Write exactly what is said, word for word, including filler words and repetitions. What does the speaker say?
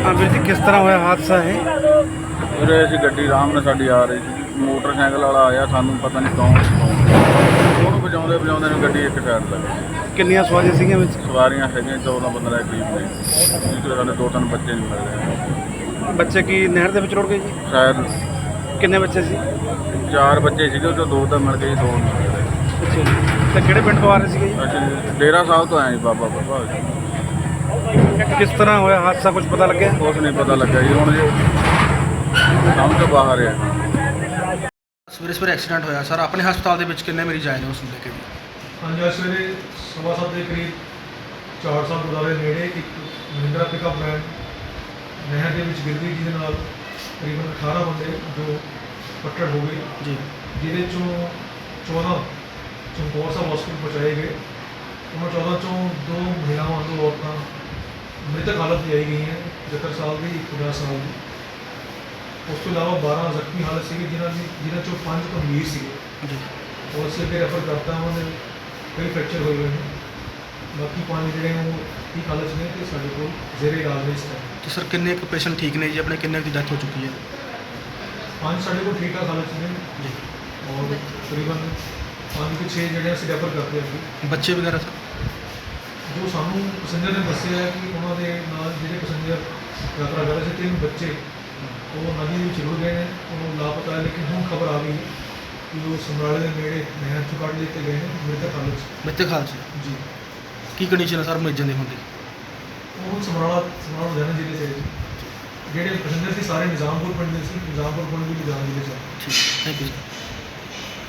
हाँ वीर जी, किस तरह हुआ हादसा है? ਵੀਰੇ ਅਸੀਂ ਗੱਡੀ ਆਰਾਮ ਨਾਲ ਸਾਡੀ ਆ ਰਹੀ ਸੀ, ਮੋਟਰਸਾਈਕਲ ਵਾਲਾ ਆਇਆ, ਸਾਨੂੰ ਪਤਾ ਨਹੀਂ ਕੌਣ ਉਹਨੂੰ ਵਜਾਉਂਦੇ ਵਜਾਉਂਦੇ ਨੂੰ ਗੱਡੀ ਇੱਕ ਸਾਈਡ ਲੱਗ ਗਈ। ਕਿੰਨੀਆਂ ਸਵਾਰੀਆਂ ਸੀਗੀਆਂ ਵਿੱਚ? ਸਵਾਰੀਆਂ ਹੈਗੀਆਂ ਚੌਦਾਂ ਪੰਦਰਾਂ ਦੇ ਕਰੀਬ ਨੇ, ਜਿਸ ਸਾਡੇ ਦੋ ਤਿੰਨ ਬੱਚੇ ਨਹੀਂ ਮਿਲ ਰਹੇ। ਬੱਚੇ ਕੀ ਨਹਿਰ ਦੇ ਵਿੱਚ ਰੁੜ ਗਏ ਜੀ? ਸ਼ਾਇਦ ਕਿੰਨੇ ਬੱਚੇ ਸੀ? ਚਾਰ ਬੱਚੇ ਸੀਗੇ, ਉਹ 'ਚੋਂ ਦੋ ਤਾਂ ਮਿਲ ਗਏ, ਦੋ ਨਹੀਂ ਮਿਲ ਰਹੇ। ਅੱਛਾ ਜੀ। ਤੇ ਕਿਹੜੇ ਪਿੰਡ ਤੋਂ ਆ ਰਹੇ ਸੀਗੇ ਜੀ? ਅਸੀਂ ਡੇਰਾ ਸਾਹਿਬ ਤੋਂ ਆਏ ਜੀ, ਬਾਬਾ ਬਾਬਾ ਕਿਸ ਤਰ੍ਹਾਂ ਹੋਇਆ ਹਾਦਸਾ, ਕੁਝ ਪਤਾ ਲੱਗਿਆ? ਕੁਛ ਨਹੀਂ ਪਤਾ ਲੱਗਾ ਜੀ, ਹੁਣ ਜੀ ਸਮਝ ਤੋਂ ਬਾਹਰ ਆ। ਸਵੇਰੇ ਸਵੇਰੇ ਐਕਸੀਡੈਂਟ ਹੋਇਆ ਸਰ, ਆਪਣੇ ਹਸਪਤਾਲ ਦੇ ਵਿੱਚ ਕਿੰਨੇ ਮਰੀਜ਼ ਆਏ ਨੇ ਉਸ ਨੂੰ ਲੈ ਕੇ ਜੀ? ਹਾਂਜੀ, ਅੱਜ ਸਵੇਰੇ ਸਵਾ ਸੱਤ ਦੇ ਕਰੀਬ ਚਾਰ ਸਾਲ ਗੁਰਦੁਆਰੇ ਨੇੜੇ ਇੱਕ ਮਹਿੰਦਰਾ ਪਿਕਅਪ ਵੈਨ ਨਹਿਰ ਦੇ ਵਿੱਚ ਗਿਰ ਗਈ, ਜਿਹਦੇ ਨਾਲ ਤਕਰੀਬਨ ਅਠਾਰਾਂ ਬੰਦੇ ਜੋ ਫੱਟੜ ਹੋ ਗਏ, ਜੀ ਜਿਹਦੇ ਚੋਂ ਚੌਦਾਂ ਚਮਕੌਰ ਸਾਹਿਬ ਹਸਪਤਾਲ ਪਹੁੰਚਾਏ ਗਏ। ਉਹਨਾਂ ਚੌਦਾਂ ਚੋਂ ਦੋ ਮਹਿਲਾਵਾਂ, ਦੋ ਔਰਤਾਂ ਮ੍ਰਿਤਕ ਹਾਲਤ 'ਚ ਆਈ ਗਈਆਂ, ਸੱਤਰ ਸਾਲ ਦੀ, ਇੱਕ ਪੰਜਾਹ ਸਾਲ ਦੀ। ਉਸ ਤੋਂ ਇਲਾਵਾ ਬਾਰਾਂ ਜ਼ਖਮੀ ਹਾਲਤ ਸੀਗੇ, ਜਿਨ੍ਹਾਂ ਦੀ ਜਿਨ੍ਹਾਂ ਚੋਂ ਪੰਜ ਗੰਭੀਰ ਸੀਗੇ। ਜੀ ਉਹ ਅਸੀਂ ਅੱਗੇ ਰੈਫਰ ਕਰਤਾ, ਉਹਨਾਂ ਦੇ ਕਈ ਫ੍ਰੈਕਚਰ ਹੋਏ ਹੋਏ ਨੇ। ਬਾਕੀ ਪੰਜ ਜਿਹੜੇ ਨੇ ਉਹ ਠੀਕ ਹਾਲਤ 'ਚ ਨੇ ਅਤੇ ਸਾਡੇ ਕੋਲ ਜ਼ੇਰੇ ਇਲਾਜ ਨੇ ਇਸ ਟਾਈਮ। ਤੇ ਸਰ ਕਿੰਨੇ ਕੁ ਪੇਸ਼ੈਂਟ ਠੀਕ ਨੇ ਜੀ, ਆਪਣੇ ਕਿੰਨੇ ਦੀ ਡੈਥ ਹੋ ਚੁੱਕੀ ਹੈ? ਪੰਜ ਸਾਡੇ ਕੋਲ ਠੀਕ ਠਾਕ ਹਾਲਤ 'ਚ ਨੇ, ਜੀ ਔਰ ਤਕਰੀਬਨ ਪੰਜ ਕਿ ਛੇ ਜਿਹੜੇ ਅਸੀਂ ਰੈਫਰ ਕਰਦੇ ਹਾਂ ਅੱਗੇ। ਬੱਚੇ ਵਗੈਰਾ ਸਰ? ਜੋ ਸਾਨੂੰ ਪੈਸੇਂਜਰ ਨੇ ਦੱਸਿਆ ਹੈ ਕਿ ਉਹਨਾਂ ਦੇ ਨਾਲ ਜਿਹੜੇ ਪੈਸੇਂਜਰ ਯਾਤਰਾ ਕਰ ਰਹੇ ਸੀ, ਤਿੰਨ ਬੱਚੇ ਉਹ ਨਦੀ ਦੇ ਵਿੱਚ ਰੁੜ ਗਏ ਨੇ, ਉਹ ਲਾਪਤਾ ਹੈ। ਲੇਕਿਨ ਹੁਣ ਖਬਰ ਆ ਗਈ ਕਿ ਉਹ ਸਮਰਾਲੇ ਦੇ ਨੇੜੇ ਨਹਿਰ 'ਚੋਂ ਕੱਢ ਲਿੱਤੇ ਗਏ ਨੇ ਮ੍ਰਿਤਕ ਹਾਲਤ 'ਚ। ਬੱਚੇ ਖਾਲ ਚ ਜੀ, ਕੀ ਕੰਡੀਸ਼ਨ ਹੈ ਸਰ ਮਰੀਜ਼ਾਂ ਦੀ ਹੁੰਦੀ? ਉਹ ਹੁਣ ਸਮਰਾਲਾ ਸਮਰਾਲਾ ਲੁਧਿਆਣਾ ਜ਼ਿਲ੍ਹੇ 'ਚ ਹੈ ਜੀ। ਜਿਹੜੇ ਪੈਸੇਂਜਰ ਸੀ ਸਾਰੇ ਨਿਜ਼ਾਮਪੁਰ ਪਿੰਡ ਦੇ ਸੀ, ਨਿਜ਼ਾਮਪੁਰ ਪਿੰਡ ਵੀ ਲੁਧਿਆਣਾ ਜ਼ਿਲ੍ਹੇ 'ਚ ਹੈ। ਠੀਕ, ਥੈਂਕ ਯੂ ਸਰ।